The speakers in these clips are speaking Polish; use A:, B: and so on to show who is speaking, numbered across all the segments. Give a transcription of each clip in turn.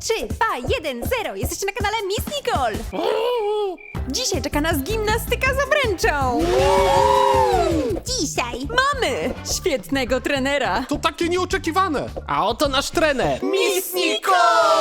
A: 3, 2, 1, 0. Jesteście na kanale Miss Nicole. Dzisiaj czeka nas gimnastyka z obręczą. Dzisiaj mamy świetnego trenera.
B: To takie nieoczekiwane.
C: A oto nasz trener.
B: Miss Nicole!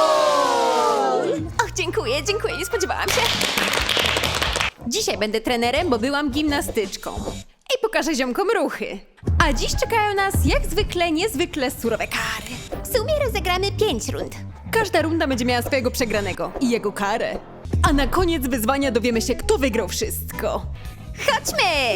A: Och, dziękuję, nie spodziewałam się. Dzisiaj będę trenerem, bo byłam gimnastyczką. I pokażę ziomkom ruchy. A dziś czekają nas jak zwykle niezwykle surowe kary. W sumie rozegramy 5 rund. Każda runda będzie miała swojego przegranego i jego karę. A na koniec wyzwania dowiemy się, kto wygrał wszystko. Chodźmy!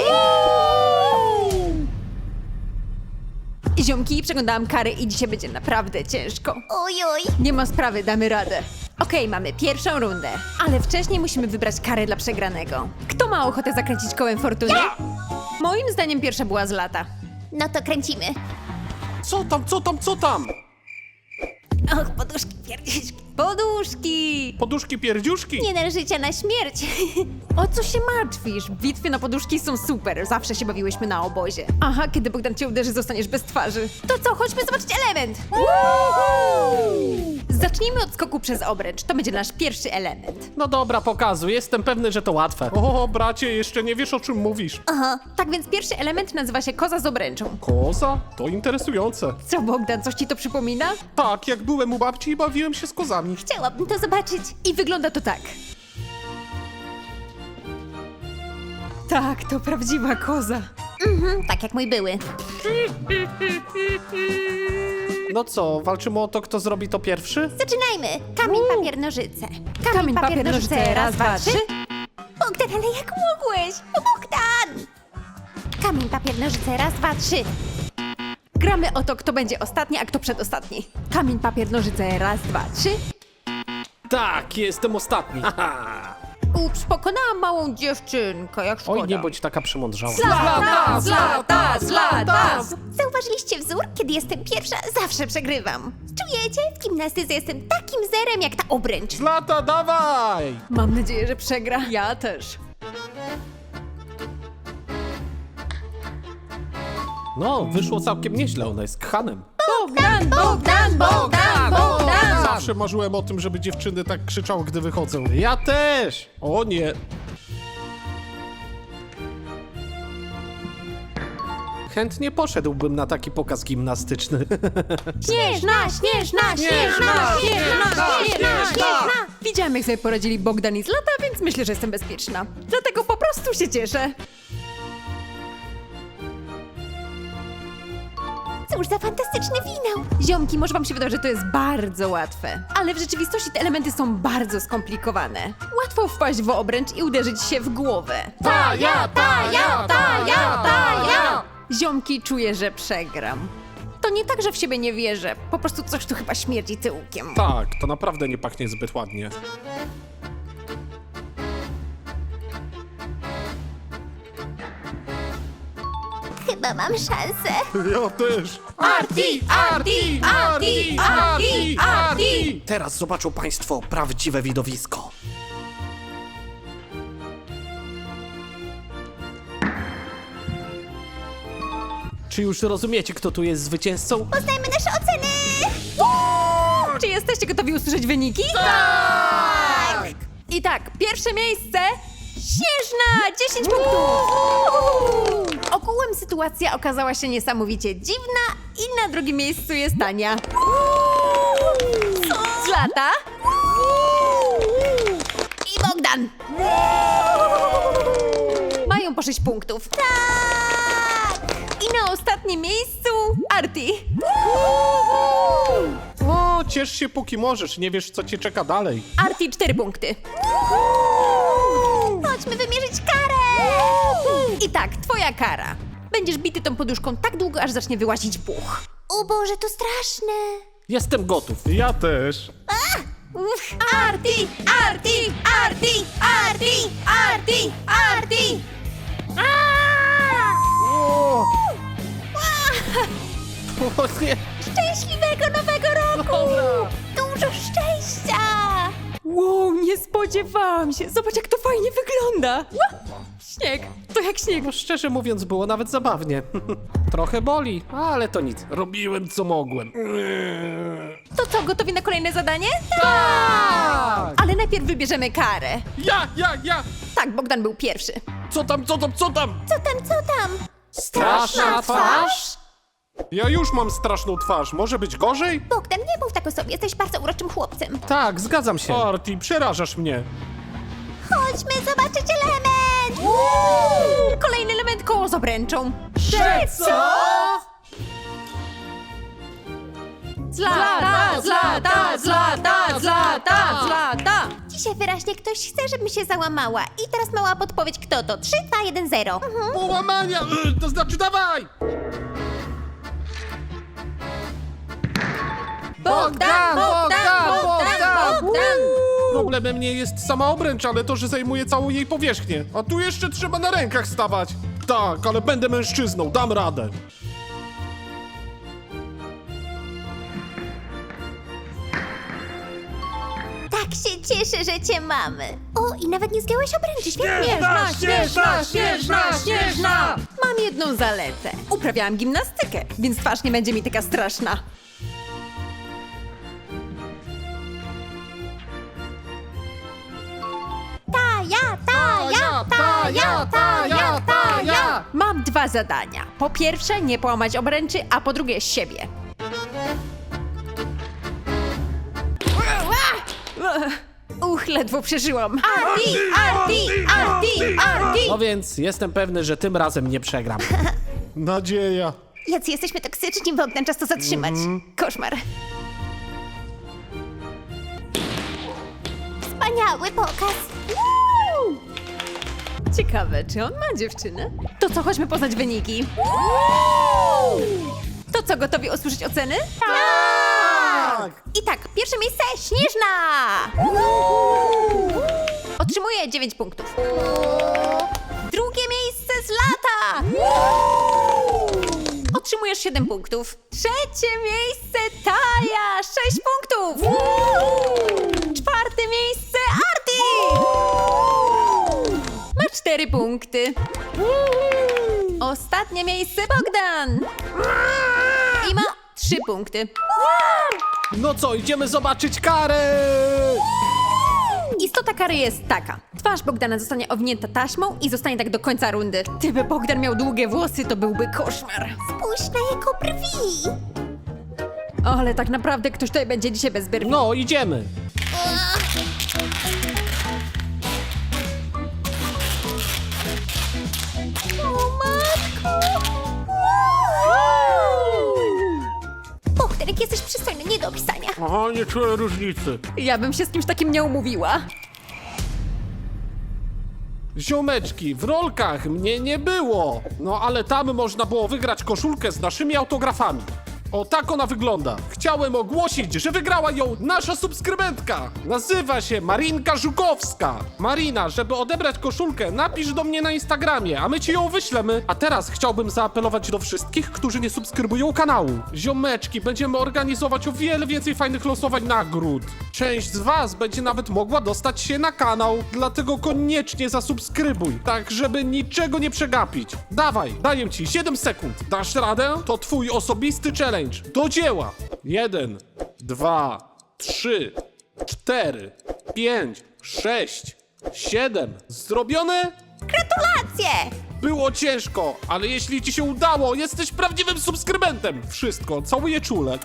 A: Ziomki, przeglądałam kary i dzisiaj będzie naprawdę ciężko.
D: Ojoj.
A: Nie ma sprawy, damy radę. Okej, mamy pierwszą rundę, ale wcześniej musimy wybrać karę dla przegranego. Kto ma ochotę zakręcić kołem fortuny? Moim zdaniem pierwsza była Zlata.
D: No to kręcimy.
B: Co tam?
D: Och, poduszki, pierdziszki.
A: Poduszki!
B: Poduszki pierdziuszki?
D: Nie należy życia na śmierć.
A: O co się martwisz? Bitwy na poduszki są super, zawsze się bawiłyśmy na obozie. Aha, kiedy Bogdan cię uderzy, zostaniesz bez twarzy. To co, chodźmy zobaczyć element! Zacznijmy od skoku przez obręcz, to będzie nasz pierwszy element.
C: No dobra, pokazuj. Jestem pewny, że to łatwe.
B: O, bracie, jeszcze nie wiesz, o czym mówisz.
A: Tak więc pierwszy element nazywa się koza z obręczą.
B: Koza? To interesujące.
A: Co, Bogdan, coś ci to przypomina?
B: Tak, jak byłem u babci i bawiłem się z kozami.
D: Chciałabym to zobaczyć.
A: I wygląda to tak. Tak, to prawdziwa koza.
D: Tak jak mój były.
C: No co, walczymy o to, kto zrobi to pierwszy?
D: Zaczynajmy. Kamień, papier, nożyce.
A: Kamień, papier, nożyce, raz, dwa, trzy.
D: Bogdan, ale jak mogłeś? Bogdan! Kamień, papier, nożyce, raz, dwa, trzy.
A: Gramy o to, kto będzie ostatni, a kto przedostatni. Kamień, papier, nożyce, raz, dwa, trzy.
C: Tak, jestem ostatni. Haha.
A: Ups, pokonałam małą dziewczynkę, jak szkoda.
C: Oj, nie bądź taka przymądrzała.
A: Zlata!
D: Zauważyliście wzór? Kiedy jestem pierwsza, zawsze przegrywam. Czujecie? W gimnastyce jestem takim zerem jak ta obręcz.
B: Zlata, dawaj!
A: Mam nadzieję, że przegra. Ja też.
C: No, wyszło całkiem nieźle, ona jest kchanem.
A: Bogdan!
B: Zawsze marzyłem o tym, żeby dziewczyny tak krzyczały, gdy wychodzą.
C: Ja też!
B: O nie.
C: Chętnie poszedłbym na taki pokaz gimnastyczny.
D: Śnieżna.
A: Widziałam, jak sobie poradzili Bogdan i Zlata, więc myślę, że jestem bezpieczna. Dlatego po prostu się cieszę.
D: Cóż za fantastyczny finał.
A: Ziomki, może wam się wydaje, że to jest bardzo łatwe. Ale w rzeczywistości te elementy są bardzo skomplikowane. Łatwo wpaść w obręcz i uderzyć się w głowę. Ziomki, czuję, że przegram. To nie tak, że w siebie nie wierzę. Po prostu coś tu chyba śmierdzi tyłkiem.
B: Tak, to naprawdę nie pachnie zbyt ładnie.
D: Chyba mam szansę.
B: Ja też.
C: Teraz zobaczą państwo prawdziwe widowisko. Czy już rozumiecie, kto tu jest zwycięzcą?
D: Poznajmy nasze oceny.
A: Czy jesteście gotowi usłyszeć wyniki? Tak! I tak, pierwsze miejsce Śnieżna! 10 punktów! Ogółem sytuacja okazała się niesamowicie dziwna i na drugim miejscu jest Tania. Zlata i Bogdan. Mają po 6 punktów. Tak! I na ostatnim miejscu Arti.
B: O, ciesz się póki możesz, nie wiesz, co cię czeka dalej.
A: Arti 4 punkty.
D: Chodźmy wymierzyć karę.
A: I tak, twoja kara. Będziesz bity tą poduszką tak długo, aż zacznie wyłazić puch.
D: O Boże, to straszne.
C: Jestem gotów.
B: Ja też.
D: Arti.
C: O nie.
D: Szczęśliwego nowego roku. Dużo szczęścia.
A: Wow, nie spodziewałam się. Zobacz, jak to fajnie wygląda. Śnieg, to jak śnieg.
C: No szczerze mówiąc, było nawet zabawnie. Trochę boli, ale to nic. Robiłem co mogłem.
A: To co, gotowi na kolejne zadanie?
C: Tak!
A: Ale najpierw wybierzemy karę.
B: Ja!
A: Tak, Bogdan był pierwszy.
B: Co tam?
D: Co tam?
C: Straszna twarz?
B: Ja już mam straszną twarz, może być gorzej?
D: Bogdan, nie mów tak o sobie, jesteś bardzo uroczym chłopcem.
C: Tak, zgadzam się.
B: Arti, przerażasz mnie.
D: Chodźmy zobaczyć element!
A: Kolejny element koło z obręczą.
C: Co?
A: Zlata!
D: Dzisiaj wyraźnie ktoś chce, żebym się załamała. I teraz mała podpowiedź, kto to? 3, 2, 1, 0.
B: Połamania! To znaczy dawaj!
A: Bogdan!
B: Problemem nie jest sama obręcz, ale to, że zajmuje całą jej powierzchnię. A tu jeszcze trzeba na rękach stawać. Tak, ale będę mężczyzną, dam radę.
D: Tak się cieszę, że cię mamy. O, i nawet nie zgiąłeś obręczy, świetnie.
A: Śnieżna! Mam jedną zaletę. Uprawiałam gimnastykę, więc twarz nie będzie mi taka straszna.
D: Ja.
A: Mam 2 zadania. Po pierwsze, nie połamać obręczy, a po drugie, siebie. Ledwo przeżyłam. Arti!
C: No więc jestem pewny, że tym razem nie przegram.
B: Nadzieja.
D: Jacy jesteśmy toksyczni, Bogdan, czas to zatrzymać.
A: Koszmar.
D: Wspaniały pokaz.
A: Ciekawe, czy on ma dziewczynę? To co, chodźmy poznać wyniki. To co, gotowi usłyszeć oceny?
D: Tak! I tak, pierwsze miejsce Śnieżna!
A: Otrzymuje 9 punktów. Drugie miejsce Zlata! Otrzymujesz 7 punktów. Trzecie miejsce Taja! 6 punktów. Czwarte miejsce Arti! Ma 4 punkty. Ostatnie miejsce Bogdan! I ma 3 punkty.
C: No co, idziemy zobaczyć karę!
A: Istota kary jest taka. Twarz Bogdana zostanie owinięta taśmą i zostanie tak do końca rundy. Gdyby Bogdan miał długie włosy, to byłby koszmar.
D: Spójrz na jego brwi!
A: Ale tak naprawdę ktoś tutaj będzie dzisiaj bez brwi.
C: No, idziemy.
D: O matko! Bogdan, jak jesteś przystojny, nie do opisania.
B: Aha, nie czuję różnicy.
A: Ja bym się z kimś takim nie umówiła.
B: Ziomeczki, w rolkach mnie nie było. No ale tam można było wygrać koszulkę z naszymi autografami. O, tak ona wygląda. Chciałem ogłosić, że wygrała ją nasza subskrybentka. Nazywa się Marinka Żukowska. Marina, żeby odebrać koszulkę, napisz do mnie na Instagramie, a my ci ją wyślemy. A teraz chciałbym zaapelować do wszystkich, którzy nie subskrybują kanału. Ziomeczki, będziemy organizować o wiele więcej fajnych losowań nagród. Część z was będzie nawet mogła dostać się na kanał, dlatego koniecznie zasubskrybuj, tak żeby niczego nie przegapić. Dawaj, daję ci 7 sekund. Dasz radę? To twój osobisty challenge. Do dzieła! 1, 2, 3, 4, 5, 6, 7. Zrobione?
D: Gratulacje!
B: Było ciężko, ale jeśli ci się udało, jesteś prawdziwym subskrybentem. Wszystko, całuję czule.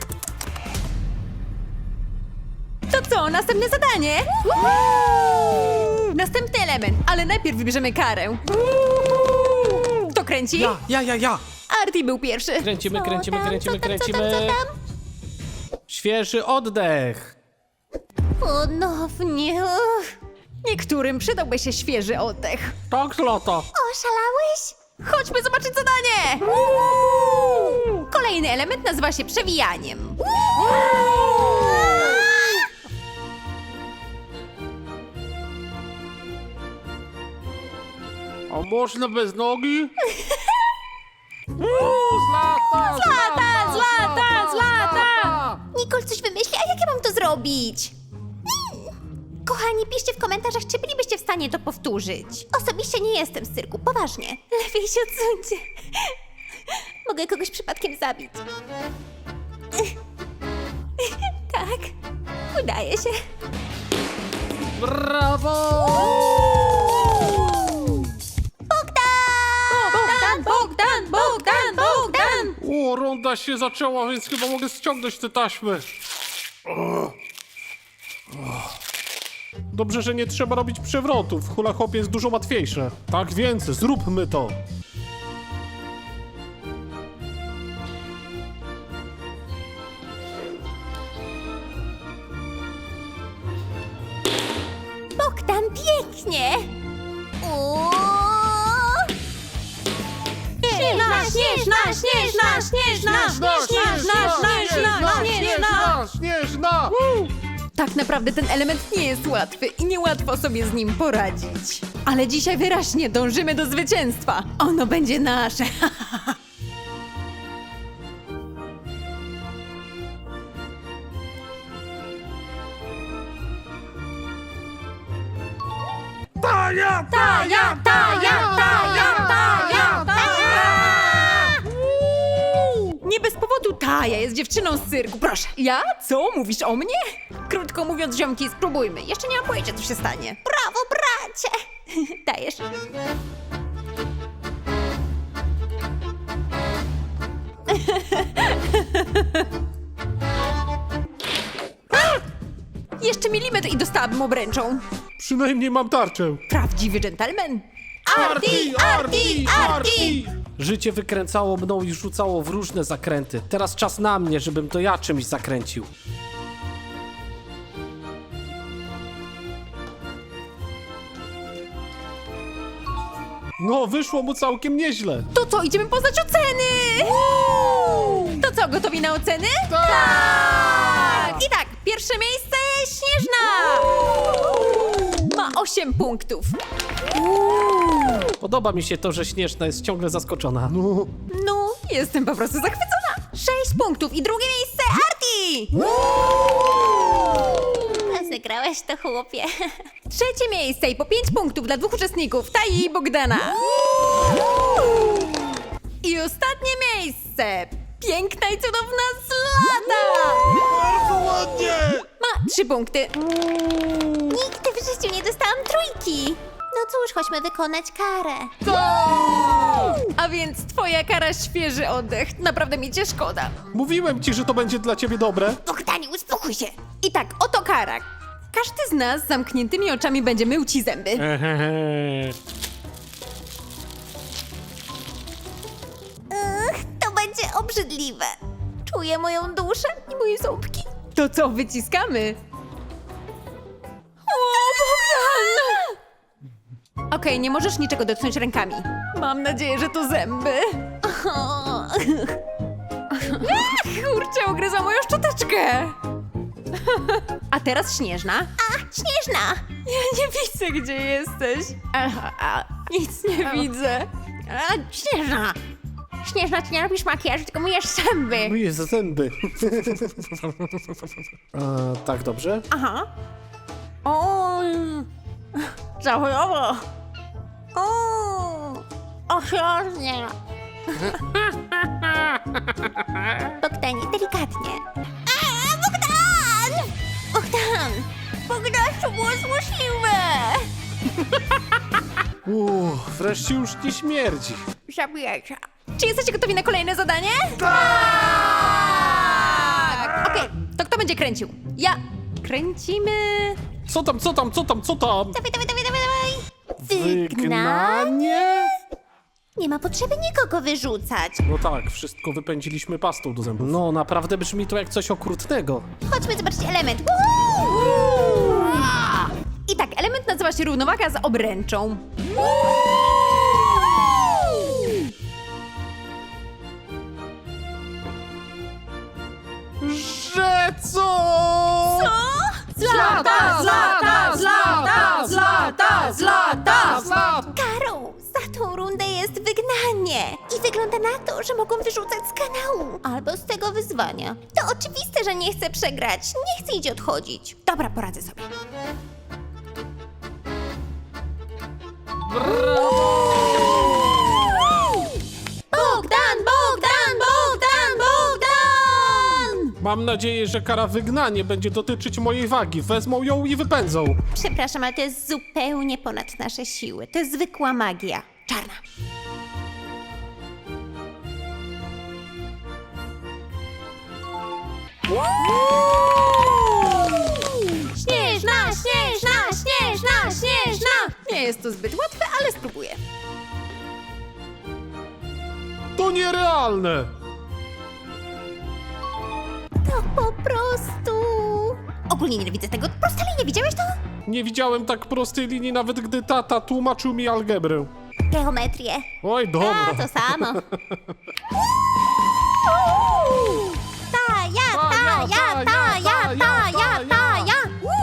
A: To co, następne zadanie? Następny element, ale najpierw wybierzemy karę. Kto kręci?
C: Ja.
A: Arti był pierwszy.
C: Kręcimy.
D: Co tam?
C: Świeży oddech.
D: Ponownie.
A: Niektórym przydałby się świeży oddech.
C: Tak, Zlata.
D: Oszalałeś?
A: Chodźmy zobaczyć zadanie! Kolejny element nazywa się przewijaniem.
B: A można bez nogi?
A: Zlata!
D: Nicole coś wymyśli, a jak ja mam to zrobić? Kochani, piszcie w komentarzach, czy bylibyście w stanie to powtórzyć. Osobiście nie jestem z cyrku, poważnie. Lepiej się odsuńcie. Mogę kogoś przypadkiem zabić. Tak, udaje się.
B: Brawo!
D: Bogdan!
B: O, runda się zaczęła, więc chyba mogę ściągnąć te taśmy. Dobrze, że nie trzeba robić przewrotów. Hula hop jest dużo łatwiejsze. Tak więc zróbmy to.
D: Bogdan, pięknie! Uuu.
B: Śnieżna!
A: Tak naprawdę ten element nie jest łatwy i niełatwo sobie z nim poradzić. Ale dzisiaj wyraźnie dążymy do zwycięstwa. Ono będzie nasze.
B: Taja!
A: Nie bez powodu Taja jest dziewczyną z cyrku. Proszę. Ja? Co? Mówisz o mnie? Krótko mówiąc, ziomki, spróbujmy. Jeszcze nie mam pojęcia, co się stanie.
D: Brawo, bracie! Dajesz.
A: Jeszcze milimetr i dostałabym obręczą.
B: Przynajmniej mam tarczę.
A: Prawdziwy dżentelmen.
B: Arti!
C: Życie wykręcało mną i rzucało w różne zakręty. Teraz czas na mnie, żebym to ja czymś zakręcił.
B: No, wyszło mu całkiem nieźle.
A: To co, idziemy poznać oceny! To co, gotowi na oceny?
B: Tak!
A: I tak, pierwsze miejsce Śnieżna! Ma 8 punktów.
C: Podoba mi się to, że Śnieżna jest ciągle zaskoczona.
A: No, jestem po prostu zachwycona. 6 punktów i drugie miejsce Arti!
D: Zagrałeś to, chłopie.
A: Trzecie miejsce i po 5 punktów dla 2 uczestników, Taji i Bogdana. I ostatnie miejsce, piękna i cudowna Zlata!
B: Bardzo ładnie!
A: Ma 3 punkty.
D: Nigdy w życiu nie dostałam trójki. No cóż, chodźmy wykonać karę.
A: A więc twoja kara świeży oddech. Naprawdę mi cię szkoda.
B: Mówiłem ci, że to będzie dla ciebie dobre.
D: Bogdanie, uspokój się.
A: I tak, oto kara. Każdy z nas z zamkniętymi oczami będzie mył ci zęby.
D: To będzie obrzydliwe. Czuję moją duszę i moje ząbki.
A: To co, wyciskamy? O, Bogdan! Okej, nie możesz niczego dotknąć rękami. Mam nadzieję, że to zęby. Kurczę, ugryzła moją szczoteczkę. A teraz Śnieżna.
D: A, Śnieżna!
A: Ja nie widzę, gdzie jesteś. Nic nie widzę. Śnieżna! Śnieżna, ty nie robisz makijażu, tylko myjesz zęby.
C: Myję za zęby. Tak, dobrze?
A: Aha. O, zawojowo. Ostrożnie.
D: Bogdanie, delikatnie. A, Bogdan! Bogdan! Bogdan, to było złośliwe!
C: Wreszcie już nie śmierdzi.
A: Zabijajcie. Czy jesteście gotowi na kolejne zadanie? Tak! Okej, to kto będzie kręcił? Ja. Kręcimy.
B: Co tam?
D: Dawaj, dawaj, dawaj, dawaj, dawaj!
C: Wygnanie?
D: Nie ma potrzeby nikogo wyrzucać.
B: No tak, wszystko wypędziliśmy pastą do zębów.
C: No, naprawdę brzmi to jak coś okrutnego.
D: Chodźmy zobaczyć element.
A: I tak, element nazywa się równowaga z obręczą.
B: Że co?
A: Zlata, zlata, zlata, zlata, zlata, zlata.
D: Karą za tą rundę jest wygnanie. I wygląda na to, że mogą wyrzucać z kanału. Albo z tego wyzwania. To oczywiste, że nie chcę przegrać. Nie chcę iść odchodzić.
A: Dobra, poradzę sobie.
D: Bogdan, Bogdan, Bogdan, Bogdan!
B: Mam nadzieję, że kara wygnanie będzie dotyczyć mojej wagi. Wezmą ją i wypędzą.
D: Przepraszam, ale to jest zupełnie ponad nasze siły. To jest zwykła magia. Czarna. Śnieżna, śnieżna, śnieżna, śnieżna!
A: Nie jest to zbyt łatwe, ale spróbuję.
B: To nierealne!
D: To po prostu... Ogólnie nienawidzę tego. Prosta linia, widziałeś to?
B: Nie widziałem tak prostej linii, nawet gdy tata tłumaczył mi algebrę.
D: Geometrię.
B: Oj, dobra.
D: A, to samo. Ta, ja.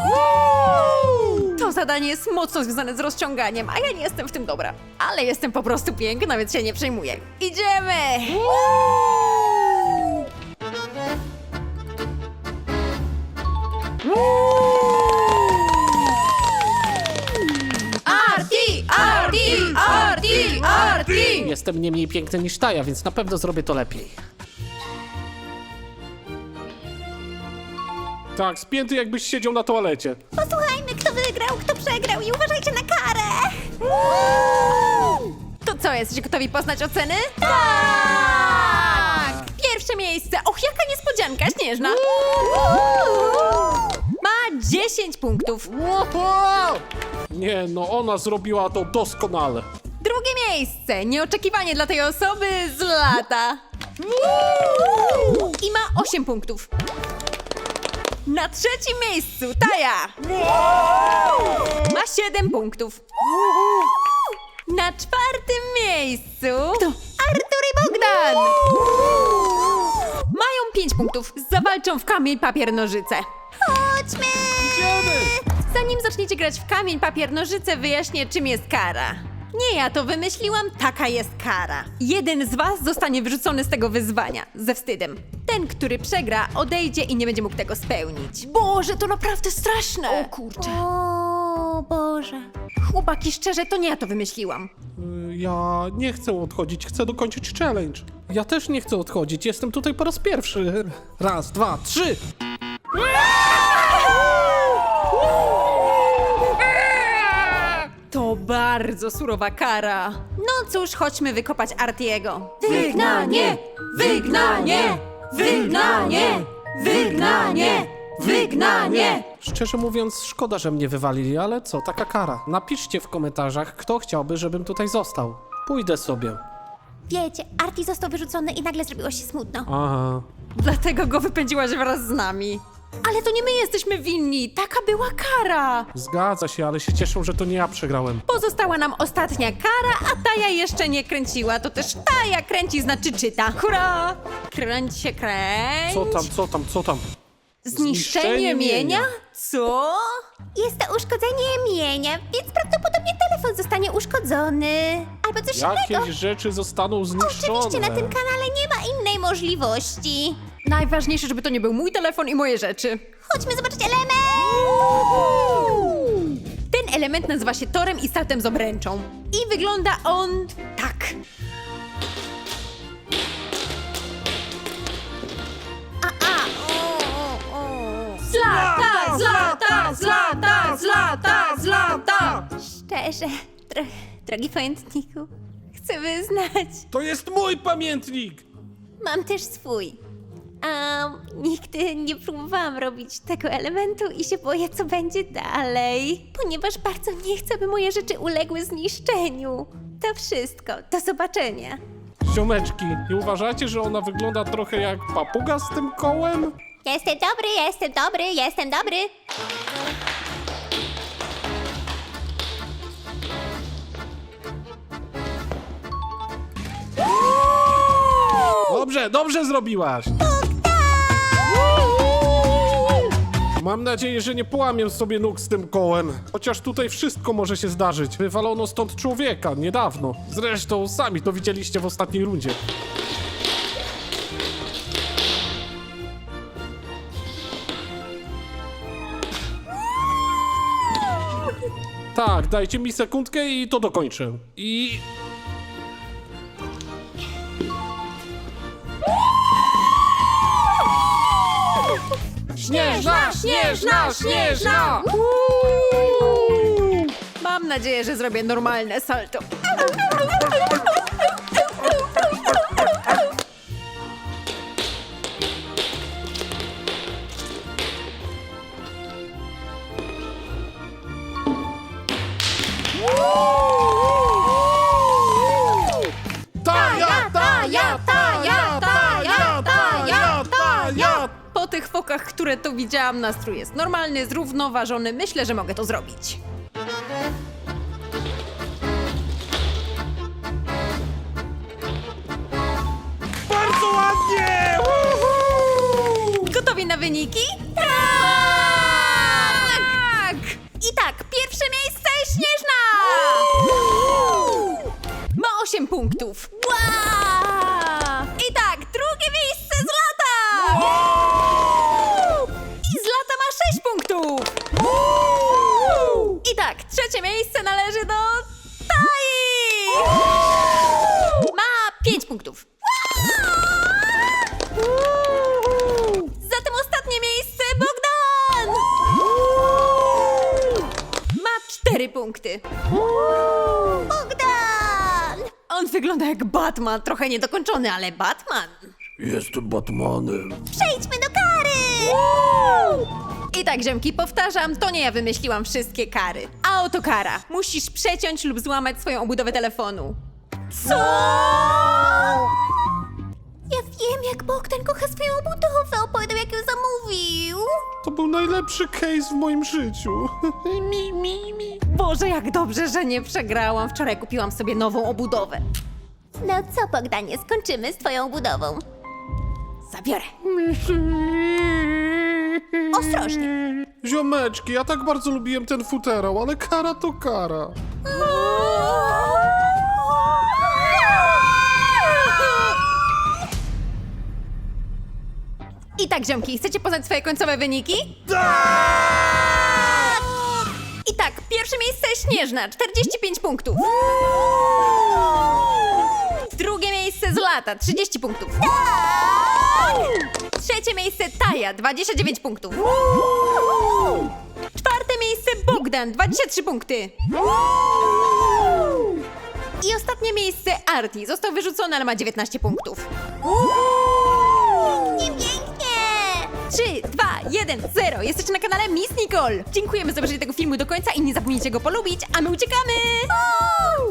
A: To zadanie jest mocno związane z rozciąganiem, a ja nie jestem w tym dobra. Ale jestem po prostu piękna, więc się nie przejmuję. Idziemy! Arti! Arti! Arti! Arti!
C: Jestem nie mniej piękny niż Taja, więc na pewno zrobię to lepiej.
B: Tak, spięty jakbyś siedział na toalecie.
D: Posłuchajmy, kto wygrał, kto przegrał i uważajcie na karę.
A: To co, jesteście gotowi poznać oceny? Tak! Pierwsze miejsce. Och, jaka niespodzianka, Śnieżna. Ma 10 punktów.
B: Nie, no ona zrobiła to doskonale.
A: Drugie miejsce. Nieoczekiwanie dla tej osoby z lata. I ma 8 punktów. Na trzecim miejscu Taja. Ma 7 punktów. Na czwartym miejscu kto? Artur i Bogdan. Mają 5 punktów. Zawalczą w kamień, papier, nożyce.
D: Chodźmy!
A: Zanim zaczniecie grać w kamień, papier, nożyce, wyjaśnię, czym jest kara. Nie ja to wymyśliłam, taka jest kara. Jeden z was zostanie wyrzucony z tego wyzwania, ze wstydem. Ten, który przegra, odejdzie i nie będzie mógł tego spełnić. Boże, to naprawdę straszne! O kurczę.
D: O Boże.
A: Chłopaki, szczerze, to nie ja to wymyśliłam.
B: Ja nie chcę odchodzić, chcę dokończyć challenge.
C: Ja też nie chcę odchodzić, jestem tutaj po raz pierwszy. Raz, dwa, trzy!
A: To bardzo surowa kara. No cóż, chodźmy wykopać Artiego.
D: Wygnanie!
A: Wygnanie! Wygnanie! Wygnanie! Wygnanie!
C: Szczerze mówiąc, szkoda, że mnie wywalili, ale co, taka kara. Napiszcie w komentarzach, kto chciałby, żebym tutaj został. Pójdę sobie.
D: Wiecie, Arti został wyrzucony i nagle zrobiło się smutno.
C: Aha.
A: Dlatego go wypędziłaś wraz z nami. Ale to nie my jesteśmy winni, taka była kara.
B: Zgadza się, ale się cieszę, że to nie ja przegrałem.
A: Pozostała nam ostatnia kara, a Taja jeszcze nie kręciła. To też Taja kręci, znaczy czyta. Hurra! Kręć się, kręć.
B: Co tam?
A: Zniszczenie mienia? Co?
D: Jest to uszkodzenie mienia, więc prawdopodobnie telefon zostanie uszkodzony. Albo coś innego.
B: Jakieś rzeczy zostaną zniszczone.
D: Oczywiście na tym kanale nie ma innej możliwości.
A: Najważniejsze, żeby to nie był mój telefon i moje rzeczy.
D: Chodźmy zobaczyć element!
A: Ten element nazywa się torem i startem z obręczą. I wygląda on tak. Zlata, zlata, zlata, zlata, zlata.
D: Szczerze, drogi pamiętniku, chcę wyznać,
B: To jest mój pamiętnik!
D: mam też swój. Nigdy nie próbowałam robić tego elementu i się boję, co będzie dalej. Ponieważ bardzo nie chcę, by moje rzeczy uległy zniszczeniu. To wszystko. Do zobaczenia.
B: Ziomeczki, nie uważacie, że ona wygląda trochę jak papuga z tym kołem?
D: Jestem dobry, jestem dobry, jestem dobry.
B: Dobrze zrobiłaś! Mam nadzieję, że nie połamię sobie nóg z tym kołem. Chociaż tutaj wszystko może się zdarzyć. Wywalono stąd człowieka niedawno. Zresztą sami to widzieliście w ostatniej rundzie. Tak, dajcie mi sekundkę i to dokończę. Śnieżna, śnieżna, śnieżna!
A: Mam nadzieję, że zrobię normalne salto.
B: Taja, taja, taja, taja, taja, taja!
A: Po tych fokach, które tu widziałam, nastrój jest normalny, zrównoważony. Myślę, że mogę to zrobić.
B: Bardzo ładnie!
A: Gotowi na wyniki? Tak! I tak, pierwsze miejsce Śnieżna! Ma 8 punktów. I tak, drugie miejsce Zlata! I Zlata ma 6 punktów. I tak, trzecie miejsce należy do Tai! Ma 5 punktów. Zatem ostatnie miejsce Bogdan! Ma 4 punkty.
D: Bogdan!
A: On wygląda jak Batman, trochę niedokończony, ale Batman.
B: Jestem Batmanem.
D: Przejdźmy do kary!
A: I tak, ziomki, powtarzam, to nie ja wymyśliłam wszystkie kary. A oto kara. Musisz przeciąć lub złamać swoją obudowę telefonu. Co?
D: Ja wiem, jak Bogdan kocha swoją budowę. Opowiadał, jak ją zamówił.
B: To był najlepszy case w moim życiu.
A: Boże, jak dobrze, że nie przegrałam. Wczoraj kupiłam sobie nową obudowę.
D: No co, Bogdanie, skończymy z twoją budową.
A: Zabiorę.
D: Ostrożnie.
B: Ziomeczki, ja tak bardzo lubiłem ten futerał, ale kara to kara.
A: I tak, ziomki, chcecie poznać swoje końcowe wyniki? I tak, pierwsze miejsce Śnieżna, 45 punktów. Drugie miejsce Zlata, 30 punktów. Trzecie miejsce Taja, 29 punktów. Czwarte miejsce Bogdan, 23 punkty. I ostatnie miejsce Arti. Został wyrzucony, ale ma 19 punktów.
D: Nie pięknie!
A: 3, 2, 1, 0. Jesteście na kanale Miss Nicole. Dziękujemy za obejrzenie tego filmu do końca i nie zapomnijcie go polubić, a my uciekamy!